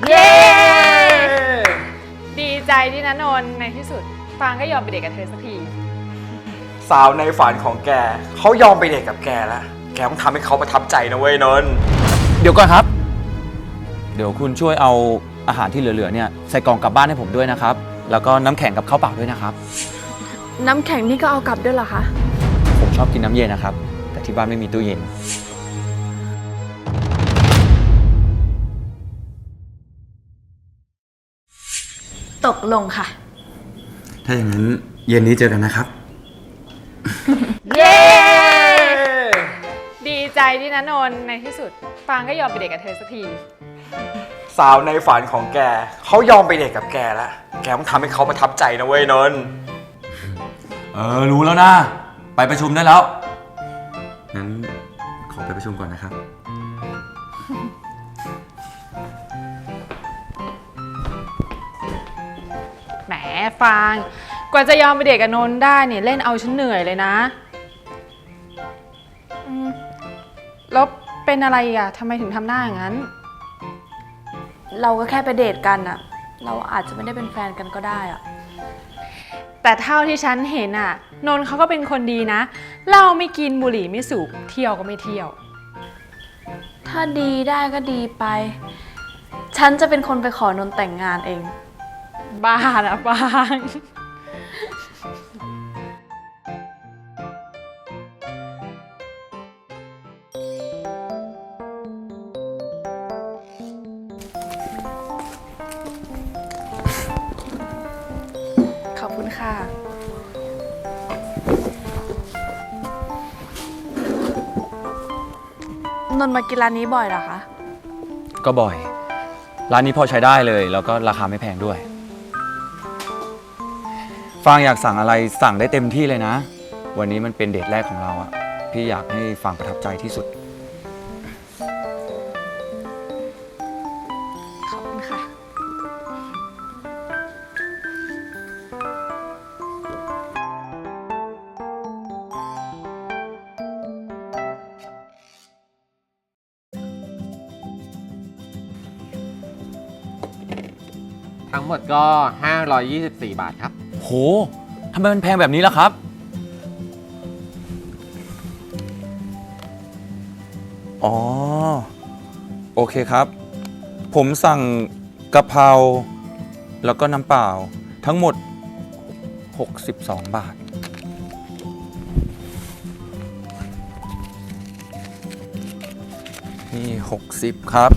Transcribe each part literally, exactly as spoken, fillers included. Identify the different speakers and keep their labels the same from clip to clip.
Speaker 1: เย้ดีใจที่นะนนท์ในที่สุดฟางก็ยอมไปเดทกับเธอสักที
Speaker 2: สาวในฝันของแกเขายอมไปเดทกับแกแล้วแกต้องทำให้เขาประทับใจนะเว้ยนนท์
Speaker 3: เดี๋ยวก่อนครับเดี๋ยวคุณช่วยเอาอาหารที่เหลือๆเนี่ยใส่กล่องกลับบ้านให้ผมด้วยนะครับแล้วก็น้ำแข็งกับข้าวเปล่าด้วยนะครับ
Speaker 4: น้ำแข็งนี่ก็เอากลับด้วยเหรอคะ
Speaker 3: ผมชอบกินน้ำเย็นนะครับแต่ที่บ้านไม่มีตู้เย็น
Speaker 4: ตกลงค่ะ
Speaker 3: ถ้าอย่างนั้นเย็นนี้เจอกันนะครับ
Speaker 1: เย้ดีใจที่นะนนท์ในที่สุดฟางก็ยอมไปเดทกับเธอสักที
Speaker 2: สาวในฝันของแกเขายอมไปเดทกับแกแล้วแกต้องทำให้เขาประทับใจนะเว้ยนนท์
Speaker 3: เออรู้แล้วนะไปประชุมได้แล้วงั้นขอไปประชุมก่อนนะครับ
Speaker 1: แหมฟางกว่าจะยอมไปเดทกับนนท์ได้เนี่ยเล่นเอาฉันเหนื่อยเลยนะแล้วเป็นอะไรอ่ะทำไมถึงทำหน้าอย่างนั้น
Speaker 4: เราก็แค่ไปเดทกันอะเราอาจจะไม่ได้เป็นแฟนกันก็ได้อะ
Speaker 1: แต่เท่าที่ฉันเห็นอ่ะนนท์เขาก็เป็นคนดีนะเหล้าไม่กินบุหรี่ไม่สูบเที่ยวก็ไม่เที่ยว
Speaker 4: ถ้าดีได้ก็ดีไปฉันจะเป็นคนไปขอนนท์แต่งงานเอง
Speaker 1: บ้านะฟาง
Speaker 4: ขอบคุณค่ะนนท์มากินร้านนี้บ่อยเหรอคะ
Speaker 3: ก็บ่อยร้านนี้พอใช้ได้เลยแล้วก็ราคาไม่แพงด้วยฟางอยากสั่งอะไรสั่งได้เต็มที่เลยนะวันนี้มันเป็นเดทแรกของเราอะพี่อยากให้ฟางประทับใจที่สุด
Speaker 4: ขอบคุณค่ะ
Speaker 5: ทั้งหมดก็ ห้าร้อยยี่สิบสี่ บาทครับ
Speaker 3: โหทำไมมันแพงแบบนี้ล่ะครับอ๋อโอเคครับผมสั่งกะเพราแล้วก็น้ำเปล่าทั้งหมดหกสิบสองบาทนี่หกสิบครับ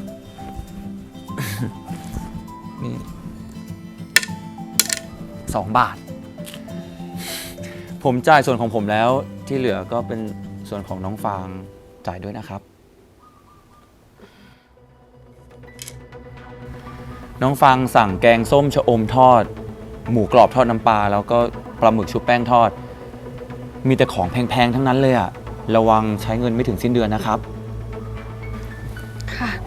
Speaker 3: นี่สองบาทผมจ่ายส่วนของผมแล้วที่เหลือก็เป็นส่วนของน้องฟางจ่ายด้วยนะครับน้องฟางสั่งแกงส้มชะอมทอดหมูกรอบทอดน้ำปลาแล้วก็ปลาหมึกชุบแป้งทอดมีแต่ของแพงๆทั้งนั้นเลยอะระวังใช้เงินไม่ถึงสิ้นเดือนนะครับ
Speaker 4: ค่ะ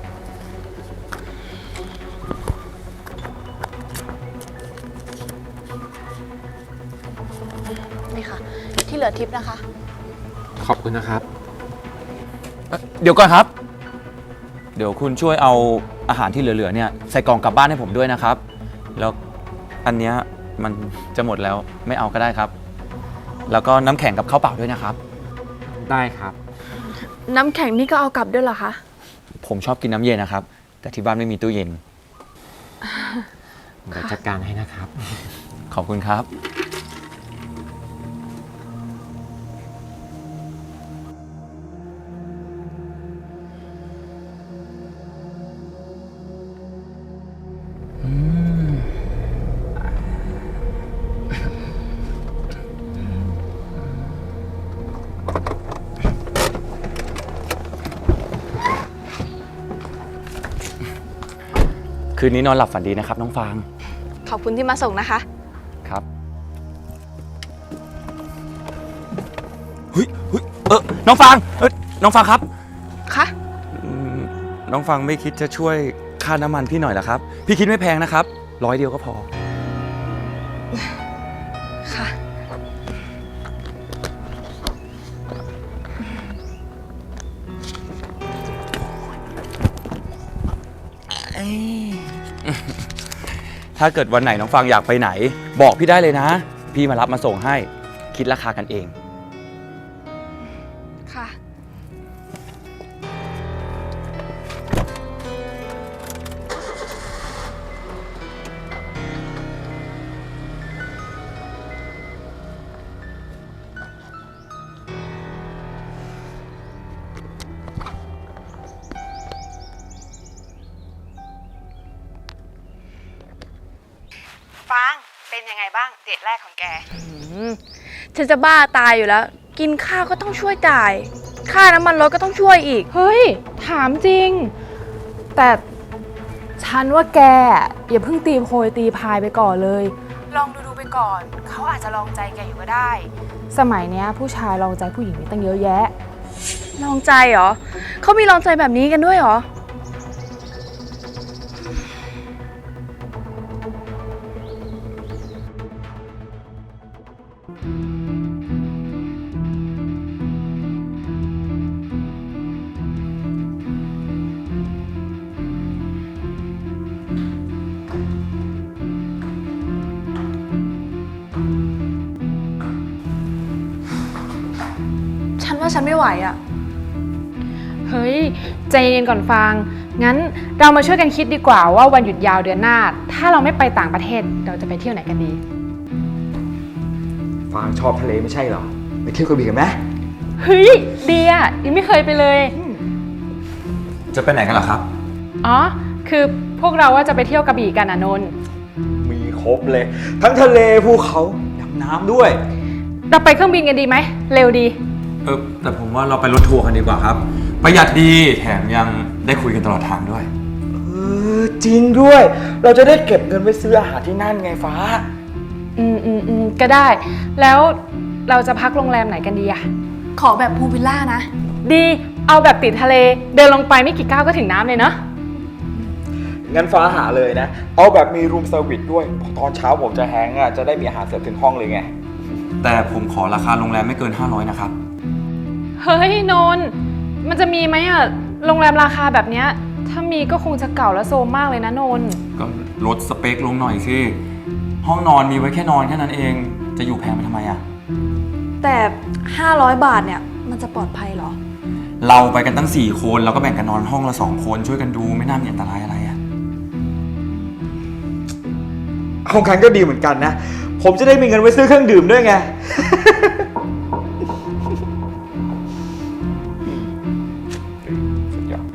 Speaker 4: นี่ค่ะที่เหลือทิปนะคะ
Speaker 5: ขอบคุณนะครับ
Speaker 3: เดี๋ยวก่อนครับเดี๋ยวคุณช่วยเอาอาหารที่เหลือๆเนี่ยใส่กล่องกลับบ้านให้ผมด้วยนะครับแล้วอันเนี้ยมันจะหมดแล้วไม่เอาก็ได้ครับแล้วก็น้ำแข็งกับข้าวเปล่าด้วยนะครับ
Speaker 5: ได้ครับ
Speaker 4: น้ำแข็งนี่ก็เอากลับด้วยเหรอคะ
Speaker 3: ผมชอบกินน้ำเย็นนะครับแต่ที่บ้านไม่มีตู้เย็น
Speaker 5: เดี๋ยวจัดการให้นะครับ
Speaker 3: ขอบคุณครับคืนนี้นอนหลับฝันดีนะครับน้องฟาง
Speaker 4: ขอบคุณที่มาส่งนะคะ
Speaker 3: ครับเฮ้ยเฮ้ยเออน้องฟางเออน้องฟางครับ
Speaker 4: คะ
Speaker 3: น้องฟางไม่คิดจะช่วยค่าน้ำมันพี่หน่อยเหรอครับพี่คิดไม่แพงนะครับร้อยเดียวก็พอ
Speaker 4: ค่ะ
Speaker 3: เอ้ย ถ้าเกิดวันไหนน้องฟางอยากไปไหน บอกพี่ได้เลยนะ พี่มารับมาส่งให้ คิดราคากันเอง
Speaker 4: ค่ะ
Speaker 1: ฟาง เป็นยังไงบ้างเดทแรกของแก
Speaker 4: ฉันจะบ้าตายอยู่แล้ว กินข้าวก็ต้องช่วยจ่าย ค่าน้ำมันรถก็ต้องช่วยอีก
Speaker 1: เฮ้ย ถามจริง แต่ฉันว่าแกอย่าเพิ่งตีโพยตีพายไปก่อนเลย ลองดูดูไปก่อน เขาอาจจะลองใจแกอยู่ก็ได้ สมัยเนี้ยผู้ชายลองใจผู้หญิงนี่ตั้งเยอะแยะ
Speaker 4: ลองใจเหรอ เขามีลองใจแบบนี้กันด้วยเหรอ ฉันว่าฉันไม่ไหวอะ
Speaker 1: เฮ้ย ใจเย็นก่อนฟาง งั้นเรามาช่วยกันคิดดีกว่าว่าวันหยุดยาวเดือนหน้า ถ้าเราไม่ไปต่างประเทศเราจะไปเที่ยวไหนกันดี
Speaker 2: ฟางชอบทะเลไม่ใช่เหรอ ไปเที่ยวกระบี่กันไหม
Speaker 1: เฮ้ย ดีอ่ะยังไม่เคยไปเลย
Speaker 3: จะไปไหนกันเหรอครับ
Speaker 1: อ๋อ คือพวกเราว่าจะไปเที่ยวกระบี่กันอ่ะนนท์
Speaker 2: มีครบเลย ทั้งทะเลภูเขาดำน้ำด้วย
Speaker 1: เราไปเครื่องบินกันดีไหม เร็วดี
Speaker 3: เออแต่ผมว่าเราไปรถทัวร์กันดีกว่าครับ ประหยัดดีแถมยังได้คุยกันตลอดทางด้วย
Speaker 2: เออจริงด้วย เราจะได้เก็บเงินไว้ซื้ออาหารที่นั่นไงฟ้า
Speaker 1: อืมอืมอืมก็ได้ แล้วเราจะพักโรงแรมไหนกันดีอะ
Speaker 4: ขอแบบพูลวิลล่านะ
Speaker 1: ดี เอาแบบติดทะเล เดินลงไปไม่กี่ก้าวก็ถึงน้ำเลยเนาะ
Speaker 2: งั้นฟ้าหาเลยนะ เอาแบบมีรูมเซอร์วิสด้วยเพราะตอนเช้าผมจะแฮงก์อ่ะ จะได้มีอาหารเสิร์ฟถึงห้องเลยไง
Speaker 3: แต่ผมขอราคาโรงแรมไม่เกินห้าร้อยนะครับ
Speaker 1: เฮ้ยนนท์มันจะมีไหมอะโรงแรมราคาแบบเนี้ย ถ้ามีก็คงจะเก่าและโซมมากเลยนะนนท์
Speaker 3: ก็ลดสเปคลงหน่อยสิ ห้องนอนมีไว้แค่นอนแค่นั้นเอง จะอยู่แพงไปทำไมอะ
Speaker 4: แต่ ห้าร้อย บาทเนี่ย มันจะปลอดภัยเหรอ
Speaker 3: เราไปกันตั้งสี่คนเราก็แบ่งกันนอนห้องละสองคนช่วยกันดูไม่น่ามีอันตรายอะไรอะ
Speaker 2: ห้องคันก็ดีเหมือนกันนะ ผมจะได้มีเงินไว้ซื้อเครื่องดื่มด้วยไง สุดยอด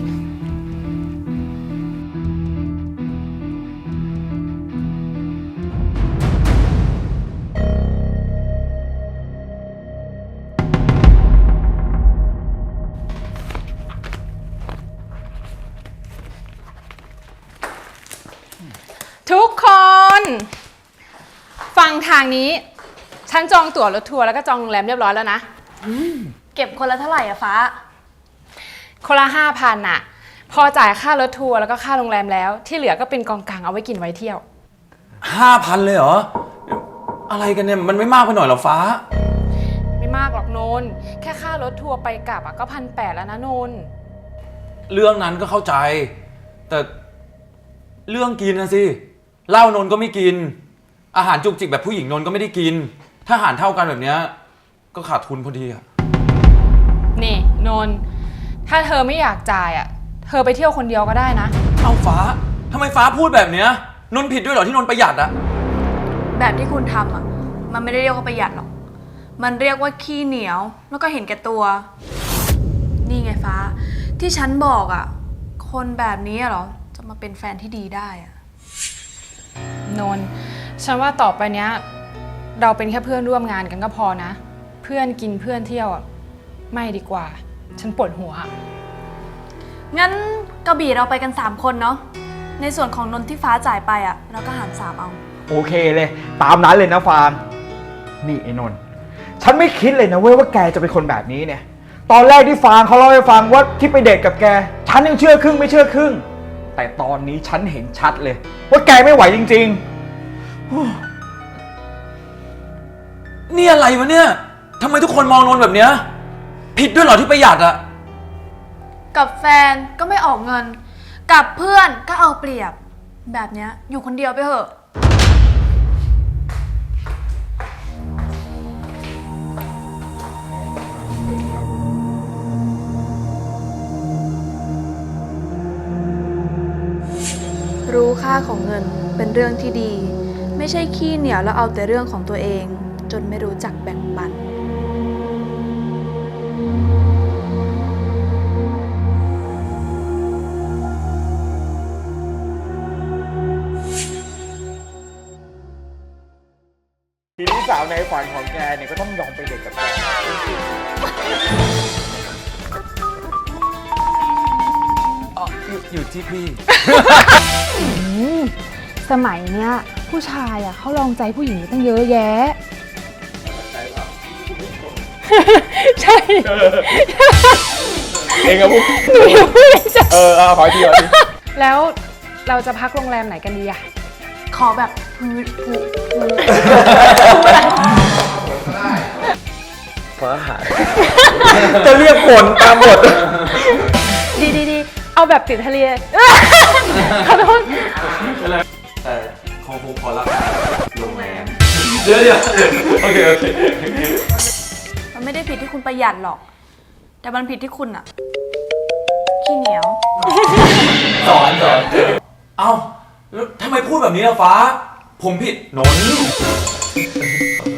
Speaker 1: ทุกคน ฟังทางนี้ ฉันจองตั๋วรถทัวร์แล้วก็จองโรงแรมเรียบร้อยแล้วนะ
Speaker 4: เก็บคนละเท่าไหร่อะฟ้า
Speaker 1: คนละห้าพันอะพอจ่ายค่ารถทัวร์แล้วก็ค่าโรงแรมแล้ว ที่เหลือก็เป็นกองกลางเอาไว้กินไว้เที่ยว
Speaker 3: ห้าพันเลยเหรอ อะไรกันเนี่ยมันไม่มากไปหน่อยเหรอฟ้า
Speaker 1: ไม่มากหรอกนนท์แค่ค่ารถทัวร์ไปกลับอะก็พันแปดแล้วนะนนท์
Speaker 3: เรื่องนั้นก็เข้าใจ แต่เรื่องกินนะสิเหล้านนก็ไม่กิน อาหารจุกจิกแบบผู้หญิงนนก็ไม่ได้กิน ถ้าอาหารเท่ากันแบบเนี้ยก็ขาดทุนพอดีอะ
Speaker 1: นี่นนท์ถ้าเธอไม่อยากจ่ายอะเธอไปเที่ยวคนเดียวก็ได้นะ
Speaker 3: เอาฟ้าทำไมฟ้าพูดแบบเนี้ยนนผิดด้วยเหรอที่นนประหยัดอะ
Speaker 4: แบบที่คุณทำอะมันไม่ได้เรียกว่าประหยัดหรอก มันเรียกว่าขี้เหนียว แล้วก็เห็นแก่ตัว นี่ไงฟ้า ที่ฉันบอกอะคนแบบนี้อะเหรอ จะมาเป็นแฟนที่ดีได้อะ
Speaker 1: นนท์ฉันว่าต่อไปเนี้ยเราเป็นแค่เพื่อนร่วมงานกันก็พอนะ เพื่อนกินเพื่อนเที่ยวอะไม่ดีกว่า ฉันปวดหัว
Speaker 4: งั้นกระบี่เราไปกันสามคนเนาะ ในส่วนของนนท์ที่ฟ้าจ่ายไปอะเราก็หารสามเอา
Speaker 2: โอเคเลย ตามนั้นเลยนะฟาง นี่ไอ้นนท์ฉันไม่คิดเลยนะเว้ยว่าแกจะเป็นคนแบบนี้เนี่ย ตอนแรกที่ฟางเขาเล่าให้ฟังว่าที่ไปเดทกับแก ฉันยังเชื่อครึ่งไม่เชื่อครึ่ง แต่ตอนนี้ฉันเห็นชัดเลย ว่าแกไม่ไหวจริงๆ
Speaker 3: นี่อะไรวะเนี่ยทำไมทุกคนมองนนแบบเนี้ยผิดด้วยเหรอที่ประหยัดอะ
Speaker 4: กับแฟนก็ไม่ออกเงินกับเพื่อนก็เอาเปรียบ แบบเนี้ยอยู่คนเดียวไปเถอะ รู้ค่าของเงินเป็นเรื่องที่ดี ไม่ใช่ขี้เหนียวแล้วเอาแต่เรื่องของตัวเอง จนไม่รู้จักแบ่งปัน
Speaker 2: ทีนี้สาวในฝันของแกเนี่ยก็ต้องยอมไปเด็กกับแก
Speaker 3: อ๋ออยู่อยู่ที่พี่
Speaker 1: อืมสมัยเนี้ยผู้ชายอ่ะเขาลองใจผู้หญิงตั้งเยอะแยะ ใช่
Speaker 2: เองอะพูด
Speaker 1: หนูยังไม่ได้จะ
Speaker 2: เออเอาขออีกทีขออีกที
Speaker 1: แล้วเราจะพักโรงแรมไหนกันดีอะ
Speaker 4: ขอแบบพื้นผูผู
Speaker 2: จะเรียกผลตามบท
Speaker 1: ดีดีดีเอาแบบติดทะเลขอโทษ
Speaker 3: แต่คงคงพอละโรงแรมเดี๋ยวเดี๋ยวโอเคโอเค
Speaker 4: มันไม่ได้ผิดที่คุณประหยัดหรอก แต่มันผิดที่คุณอะขี้เหนียว
Speaker 3: สอนสอนเอ้าแล้วทำไมพูดแบบนี้ล่ะฟ้า ผมผิดหนน